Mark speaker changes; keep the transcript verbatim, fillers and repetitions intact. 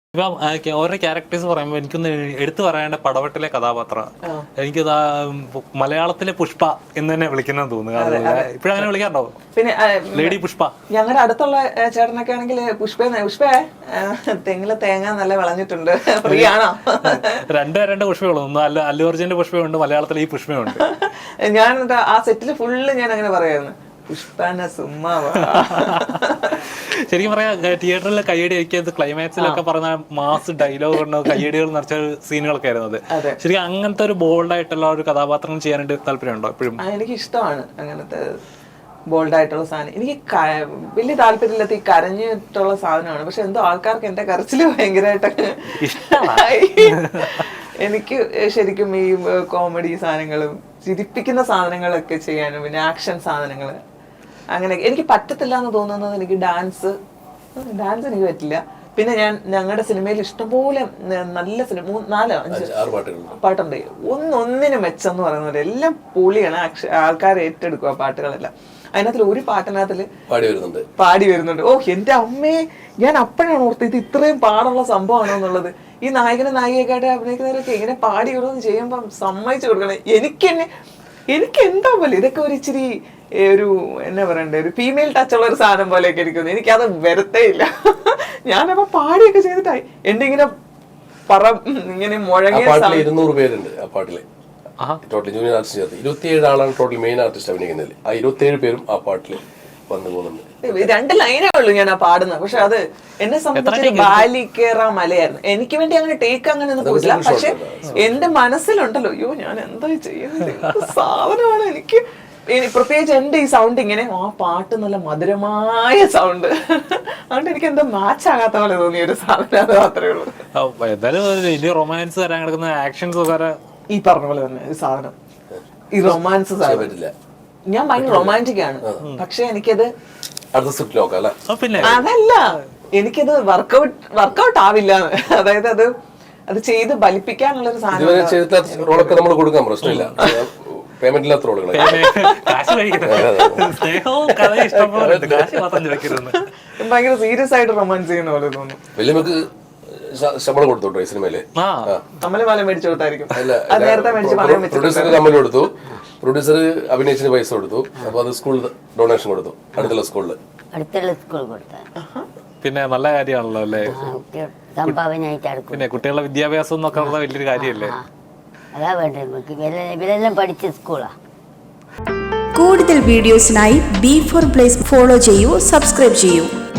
Speaker 1: ഇപ്പം ഓരോ ക്യാരക്ടേഴ്സ് പറയുമ്പോൾ എനിക്കൊന്ന് എടുത്തു പറയേണ്ട പടവട്ടിലെ കഥാപാത്രം എനിക്ക് മലയാളത്തിലെ പുഷ്പ എന്ന് തന്നെ വിളിക്കുന്നത് തോന്നുന്നു. ഇപ്പഴങ്ങനെ വിളിക്കാറുണ്ടോ?
Speaker 2: പിന്നെ
Speaker 1: ലേഡി പുഷ്പ.
Speaker 2: ഞങ്ങളുടെ അടുത്തുള്ള ചേട്ടനൊക്കെ ആണെങ്കിൽ പുഷ്പ പുഷ്പേ തെങ്ങിലെ തേങ്ങ നല്ല വിളഞ്ഞിട്ടുണ്ട്, ഫ്രീ ആണോ?
Speaker 1: രണ്ടേ രണ്ട് പുഷ്പയുള്ളൂ. ഒന്ന് അല്ല അല്ലു അർജുന്റെ പുഷ്പയുണ്ട്, മലയാളത്തിൽ ഈ പുഷ്പയുണ്ട്.
Speaker 2: ഞാൻ ആ സെറ്റിൽ ഫുള്ള് ഞാൻ അങ്ങനെ പറയായിരുന്നു, പുഷ്പന സുമ്മാ.
Speaker 1: ശരിക്കും പറയാ തിയേറ്ററിൽ കയ്യടി അയക്കിയത് ക്ലൈമാക്സിലൊക്കെ പറഞ്ഞ മാസ് ഡയലോഗ് ഉണ്ടോ കയ്യടികൾ നിറച്ച സീനുകളൊക്കെ ആയിരുന്നു അത്. ശരിക്കും അങ്ങനത്തെ ഒരു ബോൾഡ് ആയിട്ടുള്ള ഒരു കഥാപാത്രം ചെയ്യാനായിട്ട് താല്പര്യമുണ്ടോ എപ്പോഴും?
Speaker 2: എനിക്ക് ഇഷ്ടമാണ് അങ്ങനത്തെ ബോൾഡ് ആയിട്ടുള്ള സാധനം. എനിക്ക് വലിയ താല്പര്യമില്ലാത്ത ഈ കരഞ്ഞിട്ടുള്ള സാധനമാണ്. പക്ഷെ എന്തോ ആൾക്കാർക്ക് എന്റെ കരച്ചില് ഭയങ്കരമായിട്ട് എനിക്ക് ശരിക്കും ഈ കോമഡി സാധനങ്ങളും ചിരിപ്പിക്കുന്ന സാധനങ്ങളൊക്കെ ചെയ്യാനും പിന്നെ ആക്ഷൻ സാധനങ്ങൾ അങ്ങനെ എനിക്ക് പറ്റത്തില്ല എന്ന് തോന്നുന്നത് എനിക്ക് ഡാൻസ് ഡാൻസ് എനിക്ക് പറ്റില്ല. പിന്നെ ഞാൻ ഞങ്ങളുടെ സിനിമയിൽ ഇഷ്ടംപോലെ നല്ല സിനിമ നാലോ അഞ്ച് പാട്ടുണ്ട്, ഒന്നൊന്നിനും മെച്ചെന്ന് പറയുന്നത് എല്ലാം പൊളിയാണ്. ആൾക്കാർ ഏറ്റെടുക്കും ആ പാട്ടുകളെല്ലാം. അതിനകത്തിൽ ഒരു പാട്ടിനകത്തില് പാടി വരുന്നുണ്ട്. ഓ എന്റെ അമ്മേ, ഞാൻ അപ്പോഴാണ് ഓർത്ത് ഇത് ഇത്രയും പാടുള്ള സംഭവമാണോ എന്നുള്ളത്. ഈ നായകനും നായികയൊക്കെ അഭിനയിക്കുന്നവരൊക്കെ ഇങ്ങനെ പാടി ഓരോന്ന് ചെയ്യുമ്പം സമ്മതിച്ചു കൊടുക്കണേ. എനിക്ക് തന്നെ എനിക്ക് എന്താ പോലെ ഇതൊക്കെ ഒരു ഇച്ചിരി ഒരു എന്നാ പറയണ്ടേ ഒരു ഫീമെയിൽ ടച്ച് ഉള്ള ഒരു സാധനം പോലെയൊക്കെ ഇരിക്കുന്നു. എനിക്കത് വരത്തേ ഇല്ല. ഞാനപ്പോ പാടിയൊക്കെ ചെയ്തിട്ടായി എന്റെ ഇങ്ങനെ പറ ഇങ്ങനെ മുഴങ്ങിയ
Speaker 3: ഇരുന്നൂറ് പേരുണ്ട് ആ പാട്ടില്. ടോട്ടൽ ജൂനിയർ ആർട്ടിസ്റ്റ് ചേർത്ത് ഇരുപത്തിയേഴ് ആളാണ് ടോട്ടൽ മെയിൻ ആർട്ടിസ്റ്റ് അഭിനയിക്കുന്നതിൽ. ആ ഇരുപത്തിയേഴ് പേരും ആ പാട്ടില് വന്നു പോകുന്നുണ്ട്.
Speaker 2: രണ്ട് ലൈനേ ഉള്ളൂ ഞാൻ ആ പാടുന്നത്. പക്ഷെ അത് എന്നെ സംബന്ധിച്ച് ബാലിക്കേറ മലയായിരുന്നു. എനിക്ക് വേണ്ടി അങ്ങനെ ടേക്ക് അങ്ങനെ ഒന്നും പോയില്ല. പക്ഷെ എന്റെ മനസ്സിലുണ്ടല്ലോ, അയ്യോ ഞാൻ എന്താ ചെയ്യുന്നത് സാധനമാണ്. എനിക്ക് പ്രത്യേകിച്ച് എന്റെ ഈ സൗണ്ട് ഇങ്ങനെ ആ പാട്ട് നല്ല മധുരമായ സൗണ്ട്, അതുകൊണ്ട് എനിക്ക് എന്താ മാച്ച് ആകാത്ത പോലെ തോന്നിയ ഒരു സാധനം. അത് മാത്രമേ ഉള്ളൂ.
Speaker 1: എന്തായാലും റൊമാൻസ് തരാൻ കിടക്കുന്ന ആക്ഷൻസ്
Speaker 2: ഈ പറഞ്ഞ പോലെ തന്നെ ഈ സാധനം ഈ റൊമാൻസ് സാധനം ഞാൻ ഭയങ്കര റൊമാൻറ്റിക് ആണ്. പക്ഷെ എനിക്കത് അതല്ല, എനിക്കത് വർക്കൗട്ട് വർക്കൗട്ട് ആവില്ല. അതായത് അത് അത് ചെയ്ത് ബലിപ്പിക്കാനുള്ള ഒരു സാധനം. ഭയങ്കര സീരിയസ് ആയിട്ട് റൊമാൻസ് ചെയ്യുന്ന പോലെ തോന്നുന്നു.
Speaker 3: ശമ്പളം കൊടുത്തോട്ടോ ഈ സിനിമയില്?
Speaker 2: കമ്മല് മാല മേടിച്ചു കൊടുത്തായിരിക്കും.
Speaker 3: പ്രൊഡ്യൂസർ കമ്മൽ കൊടുത്തു, പ്രൊഡ്യൂസർ അഭിനയിച്ചിന് പൈസ കൊടുത്തു. അപ്പൊ അത് സ്കൂളിൽ ഡൊണേഷൻ കൊടുത്തു, അടുത്തുള്ള സ്കൂളില്
Speaker 4: അടുത്തുള്ള സ്കൂൾ കൊടുത്ത.
Speaker 1: പിന്നെ നല്ല കാര്യമാണല്ലോ അല്ലേ? പിന്നെ കുട്ടികളുടെ വിദ്യാഭ്യാസം എന്നൊക്കെ ഉള്ള വലിയൊരു കാര്യമല്ലേ?
Speaker 4: അതാ വേണ്ടത് നമുക്ക്. ഇവരെല്ലാം പഠിച്ച സ്കൂളാ.
Speaker 5: കൂടുതൽ വീഡിയോസിനായി ബി ഫോർ പ്ലേസ് ഫോളോ ചെയ്യൂ, സബ്സ്ക്രൈബ് ചെയ്യൂ.